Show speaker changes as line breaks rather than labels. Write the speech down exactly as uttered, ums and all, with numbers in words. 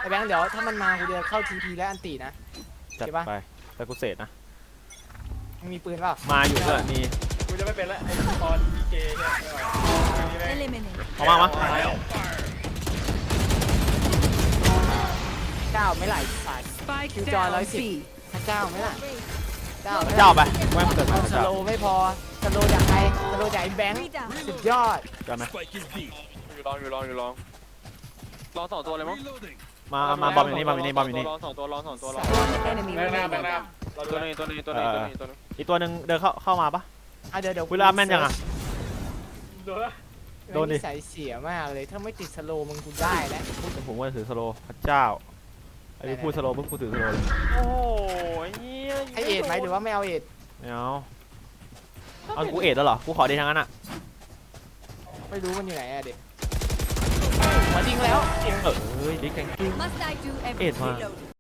แบงค์เดี๋ยวถ้ามันมากูจะเข้าทีพีและอันตีนะ
จัดไปแต่กูเสร็จนะ
มีปืนเปล่า
มาอยู่ด้วยมี
กูจะไม่เป็นละไอ้ตอนเจเนี่ย
เอามามา
เก้าไม่ไหลสายคิวจอยร้อยสิบถ้าเก้าไม่ไหลเก้า
เจ้าไปแม่งเกิดมา
สโลไม่พอสโลจากใครสโลจากไอ้แบงค์สุดยอด
จำไหม
อยู่ลองอยู่ลองอยู่ลองลองสองตัวเลยมั้ง
มามาบอมอย่างนี้บอมอย่างนี้บอมอย่างนี้
ลองสองตัวลองสองตัวลอง
แบงค์หน้าแบงค์หน้า
ตัวนึงตัวนึงตัวนึงตัวนึงตัวนึง
อีกตัวหนึ่งเดินเข้าเข้ามาปะ
อ่ะเดี๋ยวเดี๋ยว
เวลาแม่นยังอ่ะ
โดนดิใส่เสียมากเลยถ้าไม่ติดสโลมึงกูได้แล้ว
ผมว่าถือสโลพระเจ้าไอ้พูดสโลปุ๊บกูถือสโลเลย
โอ้ย
ให้เอ็ดไหมหรือว่าไม่เอาเอ็ด
ไม่เอาเอากูเอ็ดแล้วเหรอกูขอดีทางนั้นอ่ะ
ไม่รู้มันอยู่ไหนอะเด็กหัวจริงแล้ว
เออเฮ้ยดิแกงกิ้งเอ็ดมา